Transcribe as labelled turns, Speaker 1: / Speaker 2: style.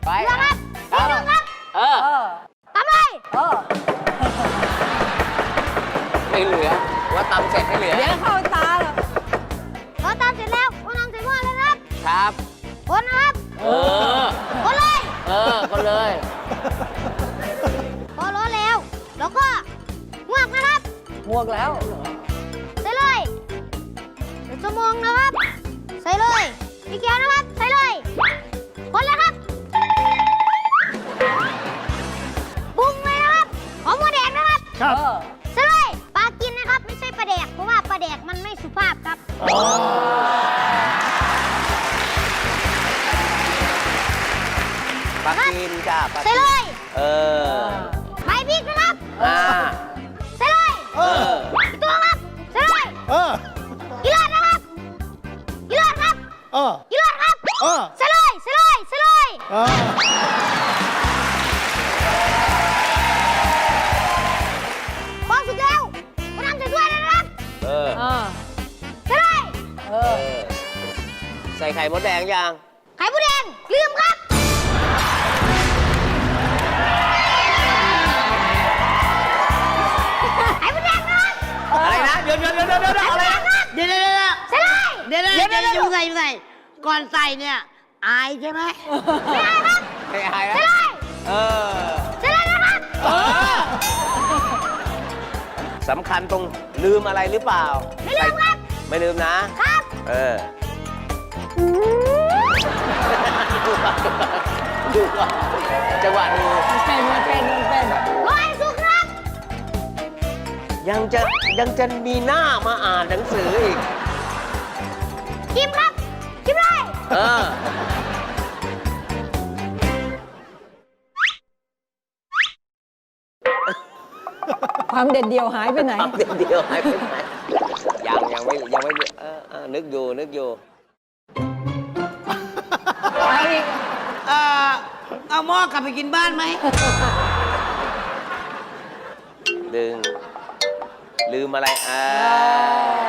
Speaker 1: ไป
Speaker 2: เหลืองครับสีเหลืองครับ ตำเลย
Speaker 1: ไม่เหลือว่าตำเสร็จไม่เหลือ
Speaker 3: เดี๋ยวเข้าตาเหรอ
Speaker 2: พอตำเสร็จแล้วก็นำใส่หม้อเลยครับ
Speaker 1: ครับ
Speaker 2: คนนะครับ คนเลย
Speaker 1: คนเลย
Speaker 2: พอร้อนแล้วแล้วก็งวกนะครับ
Speaker 3: หมวกแล้ว
Speaker 2: ใส่เลยเป็นชั่วโมงนะครับ ใส่เลยพี่เกียวนะครับ ใส่เลยคนเลยครับปรุงเลยนะครับหอมหัวแดงนะครับ
Speaker 4: ครับ
Speaker 2: ใส่เลยปลากินนะครับ ไม่ใช่ปลาแดก เพราะว่าปลาแดกมันไม่สุภาพครับ
Speaker 1: ปลากินจ้าปลา
Speaker 2: ใส่เลย ใบพริกนะครับ ใส่เลย อีกตัวครับ ใส่เลย อีเลือดนะครับ อีเลือดครับ อีเลือดครับ ใส่เลย ใส่เลย ใส่เลยพอสุดแล้วก็นำใส่ถ้วยเลยนะครับ ใส่เลย
Speaker 1: ใส่ไข่มดแดงยัง
Speaker 2: ไข่มดแดงลืมครับ ไข่มดแดงนะครับ
Speaker 1: อะไรนะเดี๋ยวอะไรนะ
Speaker 4: เดี๋ยว
Speaker 2: ใส่เลย
Speaker 4: เดี๋ยวใส่ก่อนใส่เนี่ยอายใช่ไหม
Speaker 2: ไม่ได้ครับ
Speaker 1: ไม่อายนะ
Speaker 2: ใส่เลย ใส่เลยนะครับ
Speaker 1: สำคัญตรงลืมอะไรหรือเปล่า
Speaker 2: ไม่ลืมครับ
Speaker 1: ไม่ลืมนะ
Speaker 2: ครับ
Speaker 1: ดูว่าจังหวะดู
Speaker 3: มันเป็น
Speaker 2: รอให้สุกครับ
Speaker 1: ยังจะมีหน้ามาอ่านหนังสืออีก
Speaker 2: ชิมครับชิมเลย
Speaker 3: ความเด็ดเดี่ยวหายไปไหน
Speaker 1: ทำเดียวหายไปไหนยังไม่นึกอยู่
Speaker 3: เอาอีก
Speaker 4: เอาหม้อกลับไปกินบ้านไหม
Speaker 1: ลืมอะไร